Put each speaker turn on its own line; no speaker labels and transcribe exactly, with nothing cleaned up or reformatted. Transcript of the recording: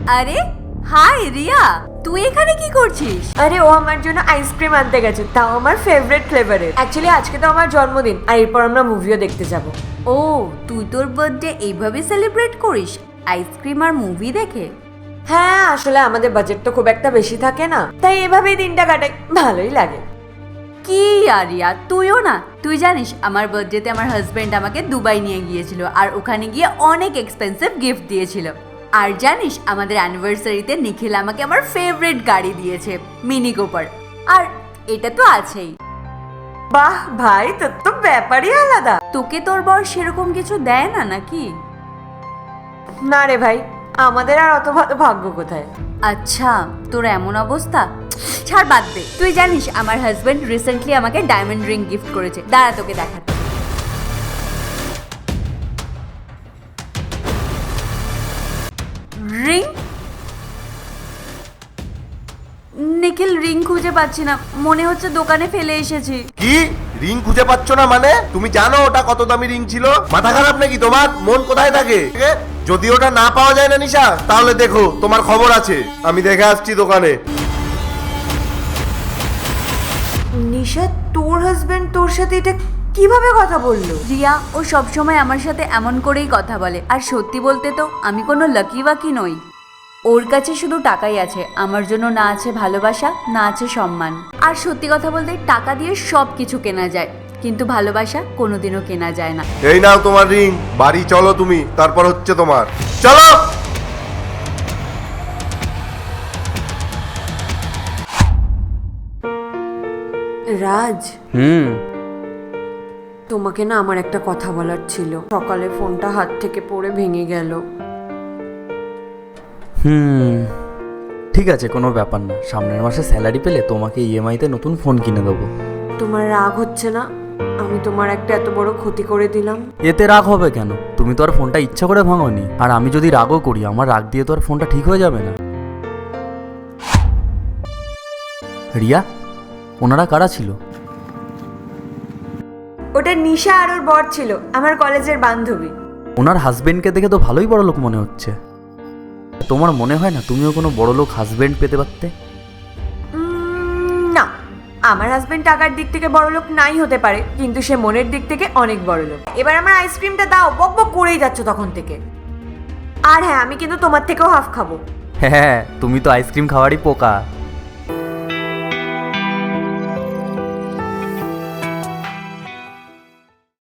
আরে হাই রিয়া, তুই এখানে কি করছিস?
আরে ও আমার জন্য আইসক্রিম আনতে গেছে, তাও আমার ফেভারিট ফ্লেভারের। অ্যাকচুয়ালি আজকে তো আমার জন্মদিন, আর এরপর আমরা মুভিও দেখতে যাব।
ও, তুই তোর বার্থডে এইভাবে সেলিব্রেট করিস, আইসক্রিম আর মুভি দেখে?
হ্যাঁ, আসলে আমাদের বাজেট তো খুব একটা বেশি থাকে না, তাই এভাবেই দিনটা কাটাই, ভালোই লাগে।
কি আর রিয়া, তুইও না? তুই জানিস আমার বার্থডেতে আমার হাজবেন্ড আমাকে দুবাই নিয়ে গিয়েছিল, আর ওখানে গিয়ে অনেক এক্সপেন্সিভ গিফট দিয়েছিল। আর জানিস আমাদের অ্যানিভার্সারিতে নিখিল আমাকে আমার ফেভারিট গাড়ি দিয়েছে, মিনি কুপার। আর এটা তো আছেই।
বাহ ভাই, তোর তো ব্যাপারই আলাদা।
তোকে তোর বর সেরকম কিছু দেয় না নাকি?
না রে ভাই, আমাদের আর অত ভালো ভাগ্য কোথায়।
আচ্ছা, তোর এমন অবস্থা, ছাড় বাদ দে। তুই জানিস আমার হাজবেন্ড রিসেন্টলি আমাকে ডায়মন্ড রিং গিফট করেছে, দাঁড়া তোকে দেখাতে। রিং? নিখিল, রিং খুঁজে পাচ্ছি না, মনে হচ্ছে দোকানে ফেলে এসেছি।
কি রিং খুঁজে পাচ্ছ না মানে? তুমি জানো ওটা কত দামি রিং ছিল? মাথা খারাপ নাকি তোমার? মন কোথায় থাকে? যদি ওটা না পাওয়া যায় না নিশা, তাহলে দেখো তোমার খবর আছে, আমি দেখে আসছি দোকানে।
নিশা, তোর হাজবেন্ড তোর সাথে এটা কিভাবে কথা বললো?
রিয়া, ও সবসময় আমার সাথে এমন করেই কথা বলে, আর সত্যি বলতে তো আমি কোনো লাকি বাকি নই। ওর কাছে শুধু টাকাই আছে, আমার জন্য না আছে ভালোবাসা, না আছে সম্মান। আর সত্যি কথা বলতে টাকা দিয়ে সব কিছু কেনা যায়, কিন্তু ভালোবাসা কোনোদিনও কেনা যায় না।
এই নাও তোমার রিং, বাড়ি চলো তুমি, তারপর হচ্ছে তোমার। চলো।
রাজ,
হুম
তোমাকে না আমার একটা কথা বলার ছিল। সকালে ফোনটা হাত থেকে পড়ে ভেঙে গেল।
হুম ঠিক আছে, কোনো ব্যাপার না। সামনের মাসে স্যালারি পেলে তোমাকে ইএমআইতে নতুন ফোন কিনে দেবো।
তোমার রাগ হচ্ছে না? আমি তোমার একটা এত বড় ক্ষতি করে দিলাম।
এতে রাগ হবে কেন? তুমি তো আর ফোনটা ইচ্ছা করে ভাঙোনি। আর আমি যদি রাগও করি, আমার রাগ দিয়ে তো আর ফোনটা ঠিক হয়ে যাবে না। রিয়া, ওনারা কারা ছিল?
ওটা নিশা আর ওর বর ছিল, আমার কলেজের বান্ধবী।
ওনার হাজবেন্ডকে দেখে তো ভালোই বড় লোক মনে হচ্ছে। তোমার মনে হয় না তুমিও কোনো বড় লোক হাজবেন্ড পেতে পারতে?
উম, না, আমার হাজবেন্ড টাকার দিক থেকে বড় লোক নাই হতে পারে, কিন্তু সে মনের দিক থেকে অনেক বড় লোক। এবার আমার আইসক্রিমটা দাও, বক বক করেই যাচ্ছ তখন থেকে। আর হ্যাঁ, আমি কিন্তু তোমার থেকেও হাফ খাবো।
হ্যাঁ, তুমি তো আইসক্রিম খাওয়ারই পোকা।